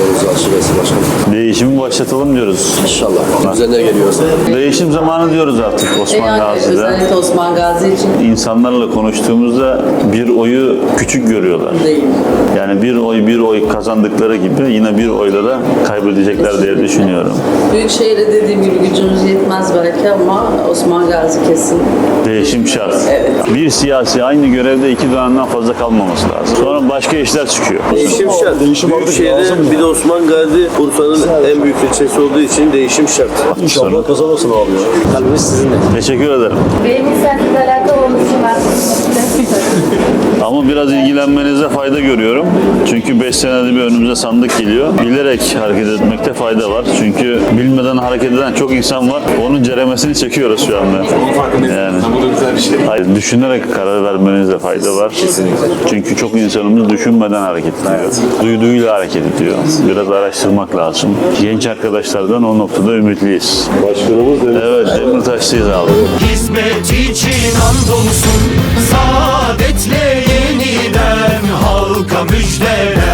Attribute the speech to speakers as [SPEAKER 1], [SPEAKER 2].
[SPEAKER 1] yolumuzu açık etsin başkanım.
[SPEAKER 2] Değişimi başlatalım diyoruz.
[SPEAKER 1] İnşallah. Üzerine geliyoruz.
[SPEAKER 2] Değişim zamanı diyoruz artık Osman
[SPEAKER 3] Yani
[SPEAKER 2] Gazi'de.
[SPEAKER 3] özellikle Osman Gazi için
[SPEAKER 2] İnsanlarla konuştuğumuzda bir oyu küçük görüyorlar.
[SPEAKER 3] değil.
[SPEAKER 2] Yani bir oy kazandıkları gibi yine bir oyla da kaybedecekler diye düşünüyorum.
[SPEAKER 3] Büyükşehir'e dediğim gibi gücümüz yetmez belki ama Osman Gazi kesin.
[SPEAKER 2] Değişim şart.
[SPEAKER 3] Evet.
[SPEAKER 2] Bir siyasi aynı görevde 2 dönemden fazla kalmaması lazım. Sonra başka işler çıkıyor.
[SPEAKER 4] Değişim şart. Büyükşehir'de bir de Osman Gazi Bursa'nın en büyük ilçesi olduğu için değişim şart.
[SPEAKER 1] İnşallah kazanırsın abi ya. Kalbimiz sizinle.
[SPEAKER 2] Teşekkür ederim.
[SPEAKER 5] Benim inisiyatifle alakalı olması için ben
[SPEAKER 2] Ama biraz ilgilenmenize fayda görüyorum. Çünkü 5 senede bir önümüze sandık geliyor. Bilerek hareket etmekte fayda var. Çünkü bilmeden hareket eden çok insan var. Onun ceremesini çekiyoruz şu anda. Yani.
[SPEAKER 1] Bu da güzel bir şey.
[SPEAKER 2] Hayır, düşünerek karar vermenizde fayda var.
[SPEAKER 1] Kesinlikle.
[SPEAKER 2] Çünkü çok insanımız düşünmeden hareket ediyor. Duyduğuyla hareket ediyor. Biraz araştırmak lazım. Genç arkadaşlardan o noktada ümitliyiz.
[SPEAKER 1] Başkanımız
[SPEAKER 2] Evet, Demirtaşlıyız abi.
[SPEAKER 6] Hizmet için andolsun, saadetle yeniden halka müjdeler.